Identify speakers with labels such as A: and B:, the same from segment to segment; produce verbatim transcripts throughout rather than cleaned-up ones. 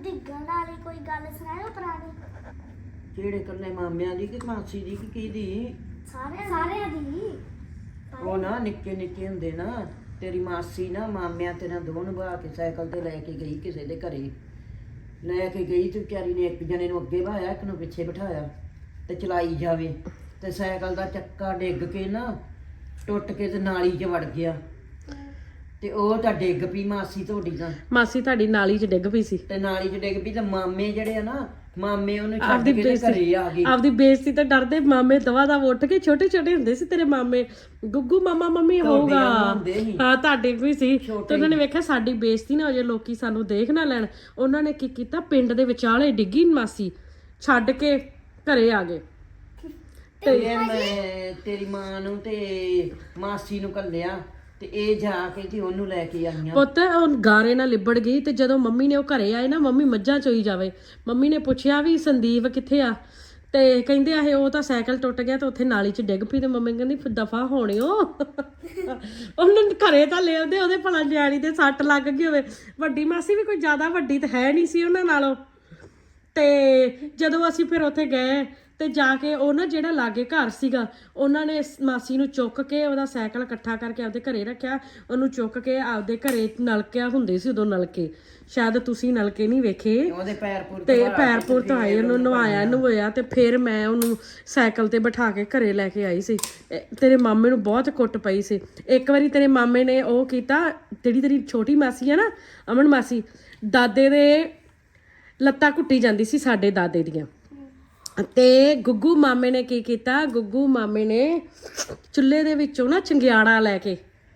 A: ਡਿੱਗਣ ਵਾਲੀ ਕੋਈ ਗੱਲ ਸੁਣਾਇਓ ਪੁਰਾਣੀ।
B: ਕਿਹੜੇ ਕੱਲੇ ਮਾਮਿਆਂ ਦੀ ਕਿ ਮਾਸੀ ਦੀ ਕਿ ਕਿਹਦੀ?
A: ਸਾਰੇ ਸਾਰਿਆਂ ਦੀ।
B: ਉਹ ਨਾ ਨਿੱਕੇ ਨਿੱਕੇ ਹੁੰਦੇ ਨਾ ਤੇਰੀ ਮਾਸੀ ਨਾ ਮਾਮਿਆਂ ਤੇ ਨਾ ਦੋ ਨਿਭਾ ਕੇ ਸਾਈਕਲ ਤੇ ਲੈ ਕੇ ਗਈ ਕਿਸੇ ਦੇ ਘਰੇ, ਲੈ ਕੇ ਗਈ ਤੇ ਵਿਚਾਰੀ ਨੇ ਇੱਕ ਜਣੇ ਨੂੰ ਅੱਗੇ ਬਹਾਇਆ ਇੱਕ ਨੂੰ ਪਿੱਛੇ ਬਿਠਾਇਆ ਤੇ ਚਲਾਈ ਜਾਵੇ ਤੇ ਸਾਈਕਲ ਦਾ ਚੱਕਾ ਡਿੱਗ ਕੇ ਨਾ ਟੁੱਟ ਕੇ ਤੇ ਨਾਲੀ 'ਚ ਵੜ ਗਿਆ ਤੇ ਉਹ ਤਾਂ ਡਿੱਗ ਪਈ ਮਾਸੀ ਤੁਹਾਡੀ ਤਾਂ।
C: ਮਾਸੀ ਤੁਹਾਡੀ ਨਾਲੀ 'ਚ ਡਿੱਗ ਪਈ ਸੀ
B: ਤੇ ਨਾਲੀ 'ਚ ਡਿੱਗ ਪਈ ਤੇ ਮਾਮੇ ਜਿਹੜੇ ਆ ਨਾ ਮਾਮੇ ਉਹਨੂੰ ਛੱਡ ਕੇ ਤੇ ਘਰੇ ਆ ਗਏ।
C: ਆਪਦੀ ਬੇਇੱਜ਼ਤੀ ਤਾਂ ਡਰਦੇ ਮਾਮੇ ਦਵਾ ਦਾ ਉੱਠ ਕੇ ਛੋਟੇ ਛੋਟੇ ਹੁੰਦੇ ਸੀ ਤੇਰੇ ਮਾਮੇ, ਗੁੱਗੂ ਮਾਮਾ ਮੰਮੀ ਹੋਊਗਾ। ਹਾਂ ਤੁਹਾਡੇ ਵੀ ਸੀ ਤੇ ਉਹਨਾਂ ਨੇ ਵੇਖਿਆ ਸਾਡੀ ਬੇਇੱਜ਼ਤੀ ਨਾ ਹੋ ਜਾਏ, ਲੋਕੀ ਸਾਨੂੰ ਦੇਖ ਨਾ ਲੈਣ, ਉਹਨਾਂ ਨੇ ਕੀ ਕੀਤਾ ਪਿੰਡ ਦੇ ਵਿਚਾਲੇ ਡਿੱਗੀ ਮਾਸੀ, ਛੱਡ ਕੇ ਘਰੇ ਆ ਗਏ।
B: ਤੇ ਮੈਂ ਤੇਰੀ ਮਾਂ ਨੂੰ ਤੇ ਮਾਸੀ ਨੂੰ ਘੱਲਿਆ ਤੇ ਇਹ ਜਾ ਕੇ ਤੇ ਉਹਨੂੰ ਲੈ ਕੇ ਆਈਆਂ।
C: ਪੁੱਤ ਉਹ ਗਾਰੇ ਨਾਲ ਲਿਬੜ ਗਈ ਤੇ ਜਦੋਂ ਮੰਮੀ ਨੇ ਉਹ ਘਰੇ ਆਏ ਨਾ, ਮੰਮੀ ਮੱਝਾਂ ਚੋਈ ਜਾਵੇ, ਮੰਮੀ ਨੇ ਪੁੱਛਿਆ ਵੀ ਸੰਦੀਪ ਕਿੱਥੇ ਆ ਤੇ ਕਹਿੰਦੇ ਆ ਉਹ ਤਾਂ ਸਾਈਕਲ ਟੁੱਟ ਗਿਆ ਤੇ ਉੱਥੇ ਨਾਲੀ 'ਚ ਡਿੱਗ ਪਈ ਤੇ ਮੰਮੀ ਕਹਿੰਦੀ ਦਫਾ ਹੋਣਿਓ ਉਹਨੂੰ ਘਰੇ ਤਾਂ ਲੈ ਆਉਂਦੇ, ਉਹਦੇ ਭਲਾ ਨਿਆਣੀ ਦੇ ਸੱਟ ਲੱਗ ਗਈ ਹੋਵੇ। ਵੱਡੀ ਮਾਸੀ ਵੀ ਕੋਈ ਜ਼ਿਆਦਾ ਵੱਡੀ ਤਾਂ ਹੈ ਨਹੀਂ ਸੀ ਉਹਨਾਂ ਨਾਲੋਂ। ਤੇ ਜਦੋਂ ਅਸੀਂ ਫਿਰ ਉੱਥੇ ਗਏ ਤੇ ਜਾ ਕੇ ਉਹ ਨਾ ਜਿਹੜਾ ਲਾਗੇ ਘਰ ਸੀਗਾ ਉਹਨਾਂ ਨੇ ਮਾਸੀ ਨੂੰ ਚੁੱਕ ਕੇ ਉਹਦਾ ਸਾਈਕਲ ਇਕੱਠਾ ਕਰਕੇ ਆਪਦੇ ਘਰੇ ਰੱਖਿਆ, ਉਹਨੂੰ ਚੁੱਕ ਕੇ ਆਪਦੇ ਘਰੇ ਨਲਕਿਆ ਹੁੰਦੇ ਸੀ ਉਦੋਂ ਨਲਕੇ, ਸ਼ਾਇਦ ਤੁਸੀਂ ਨਲਕੇ ਨਹੀਂ ਵੇਖੇ,
B: ਉਹਦੇ ਪੈਰ ਪੁਰ
C: ਤੇ ਪੈਰ ਪੁਰ ਧੋਏ, ਉਹਨੂੰ ਨਵਾਇਆ ਨਵਾਇਆ ਤੇ ਫਿਰ ਮੈਂ ਉਹਨੂੰ ਸਾਈਕਲ ਤੇ ਬਿਠਾ ਕੇ ਘਰੇ ਲੈ ਕੇ ਆਈ ਸੀ। ਤੇਰੇ ਮਾਮੇ ਨੂੰ ਬਹੁਤ ਕੁੱਟ ਪਈ ਸੀ। ਇੱਕ ਵਾਰੀ ਤੇਰੇ ਮਾਮੇ ਨੇ ਉਹ ਕੀਤਾ, ਜਿਹੜੀ ਤੇਰੀ ਛੋਟੀ ਮਾਸੀ ਆ ਨਾ ਅਮਨ ਮਾਸੀ, ਦਾਦੇ ਦੇ ਲੱਤਾਂ ਘੁੱਟੀ ਜਾਂਦੀ ਸੀ ਸਾਡੇ ਦਾਦੇ ਦੀਆਂ, ਤੇ ਗੁੱਗੂ ਮਾਮੇ ਨੇ ਕੀ ਕੀਤਾ, ਗੁੱਗੂ ਮਾਮੇ ਨੇ ਚੁੱਲ੍ਹੇ ਦੇ ਵਿੱਚੋਂ ਨਾ ਚੰਗਿਆੜਾ ਲੈ ਕੇ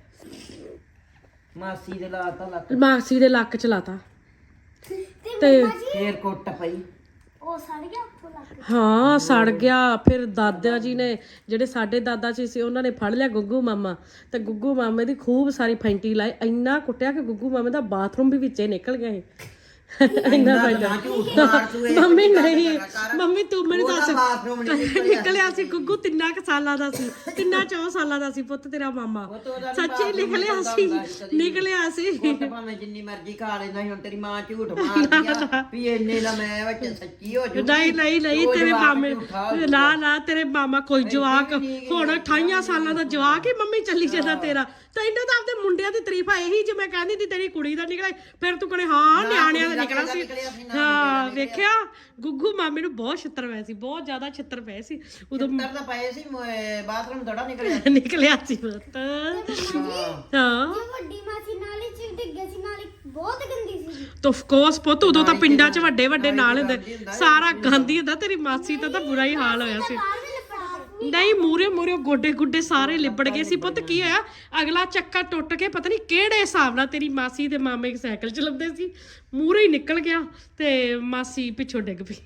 B: ਮਾਸੀ ਦੇ ਲਾਤਾ ਲੱਕ
C: ਮਾਸੀ ਦੇ ਲੱਕ ਚ ਲਾਤਾ
A: ਤੇ
B: ਫੇਰ ਕੁੱਟ ਪਈ।
A: ਉਹ ਸੜ ਗਿਆ ਉੱਥੋਂ ਲੱਗ।
C: ਹਾਂ ਸੜ ਗਿਆ। ਫਿਰ ਦਾਦਾ ਜੀ ਨੇ ਜਿਹੜੇ ਸਾਡੇ ਦਾਦਾ ਜੀ ਸੀ ਉਹਨਾਂ ਨੇ ਫੜ ਲਿਆ ਗੁੱਗੂ ਮਾਮਾ ਤੇ ਗੁੱਗੂ ਮਾਮੇ ਦੀ ਖੂਬ ਸਾਰੀ ਫੈਂਟੀ ਲਾਈ, ਇੰਨਾ ਕੁੱਟਿਆ ਕਿ ਗੁੱਗੂ ਮਾਮੇ ਦਾ ਬਾਥਰੂਮ ਵੀ ਵਿੱਚੇ ਨਿਕਲ ਗਿਆ ਸੀ। ਇੰਨਾ ਮੰਮੀ ਨਹੀਂ, ਮੰਮੀ ਤੂੰ ਮੈਨੂੰ ਦੱਸ ਨਿਕਲਿਆ ਸੀ ਗੁੱਗੂ ਤਿੰਨਾਂ ਕੁ ਸਾਲਾਂ ਦਾ ਸੀ, ਤਿੰਨਾਂ ਚੌ ਸਾਲਾਂ ਦਾ ਸੀ ਪੁੱਤ ਤੇਰਾ ਮਾਮਾ, ਸੱਚੀ ਨਿਕਲਿਆ ਸੀ, ਨਿਕਲਿਆ ਸੀ।
B: ਭਾਵੇਂ ਜਿੰਨੀ ਮਰਜ਼ੀ ਖਾ ਲੈਂਦਾ ਸੀ, ਹੁਣ ਤੇਰੀ ਮਾਂ ਝੂਠ ਮਾਰਦੀ ਆ ਵੀ ਇੰਨੇ ਦਾ ਮੈਂ ਵਿੱਚ ਸੱਚੀ ਹੋ ਜੂ।
C: ਨਹੀਂ ਨਹੀਂ ਨਹੀਂ ਤੇਰੇ ਮਾਮੇ ਨਾ ਨਾ ਤੇਰੇ ਮਾਮਾ ਕੋਈ ਜਵਾਕ ਹੁਣ ਅਠਾਈਆਂ ਸਾਲਾਂ ਦਾ ਜਵਾਕ ਹੀ ਮੰਮੀ ਚੱਲੀ ਜਾਂਦਾ ਤੇਰਾ। ਤੈਨੂੰ ਤਾਂ ਆਪਦੇ ਮੁੰਡਿਆਂ ਦੀ ਤਾਰੀਫ ਆ ਇਹੀ, ਜੇ ਮੈਂ ਕਹਿੰਦੀ ਤੀ ਤੇਰੀ ਕੁੜੀ ਦਾ ਨਿਕਲਿਆ ਫਿਰ ਤੂੰ ਕਹਿੰਦੇ ਹਾਂ ਨਿਆਣਿਆਂ ਦਾ ਨਿਕਲਿਆ ਸੀ। ਹਾਂ ਵੇਖਿਆ ਗੁੱਗੂ ਮਾਮੇ ਨੂੰ ਬਹੁਤ ਛਿੱਤਰ ਪਏ ਸੀ, ਬਹੁਤ ਜ਼ਿਆਦਾ ਛਿੱਤਰ ਪਏ ਸੀ ਉਦੋਂ
B: ਤਾਂ ਪਏ ਸੀ, ਬਾਥਰੂਮ ਦੜਾ ਨਿਕਲਿਆ
C: ਨਿਕਲਿਆ ਸੀ ਪੁੱਤ। ਹਾਂ
A: ਵੱਡੀ ਮਾਸੀ ਨਾਲੀ 'ਚ ਡਿੱਗੇ ਸੀ, ਨਾਲੀ ਬਹੁਤ ਗੰਦੀ ਸੀ।
C: ਤਾਂ ਆਫ ਕੋਰਸ ਪੁੱਤ ਉਦੋਂ ਤਾਂ ਪਿੰਡਾਂ 'ਚ ਵੱਡੇ ਵੱਡੇ ਨਾਲ ਹੁੰਦੇ, ਸਾਰਾ ਗਾਂਧੀ ਹੁੰਦਾ। ਤੇਰੀ ਮਾਸੀ ਦਾ ਤਾਂ ਬੁਰਾ ਹੀ ਹਾਲ ਹੋਇਆ ਸੀ। ਨਹੀਂ ਮੂਰੇ ਮੂਰੇ ਗੋਡੇ ਗੁੱਡੇ ਸਾਰੇ ਲਿਬੜ ਗਏ ਸੀ ਪੁੱਤ। ਕੀ ਹੋਇਆ, ਅਗਲਾ ਚੱਕਾ ਟੁੱਟ ਕੇ ਪਤਾ ਨਹੀਂ ਕਿਹੜੇ ਹਿਸਾਬ ਨਾਲ ਤੇਰੀ ਮਾਸੀ ਤੇ ਮਾਮੇ ਸਾਈਕਲ ਚਲਾਉਂਦੇ ਸੀ, ਮੂਰੇ ਹੀ ਨਿਕਲ ਗਿਆ ਤੇ ਮਾਸੀ ਪਿੱਛੋਂ ਡਿੱਗ ਪਈ।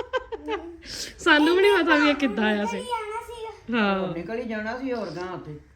C: ਸਾਨੂੰ ਵੀ ਨਹੀਂ ਪਤਾ ਵੀ ਇਹ ਕਿੱਦਾਂ ਆਇਆ ਸੀ। ਹਾਂ
B: ਨਿਕਲ ਹੀ ਜਾਣਾ ਸੀ ਹੋਰ ਗਾਂ ਉੱਥੇ।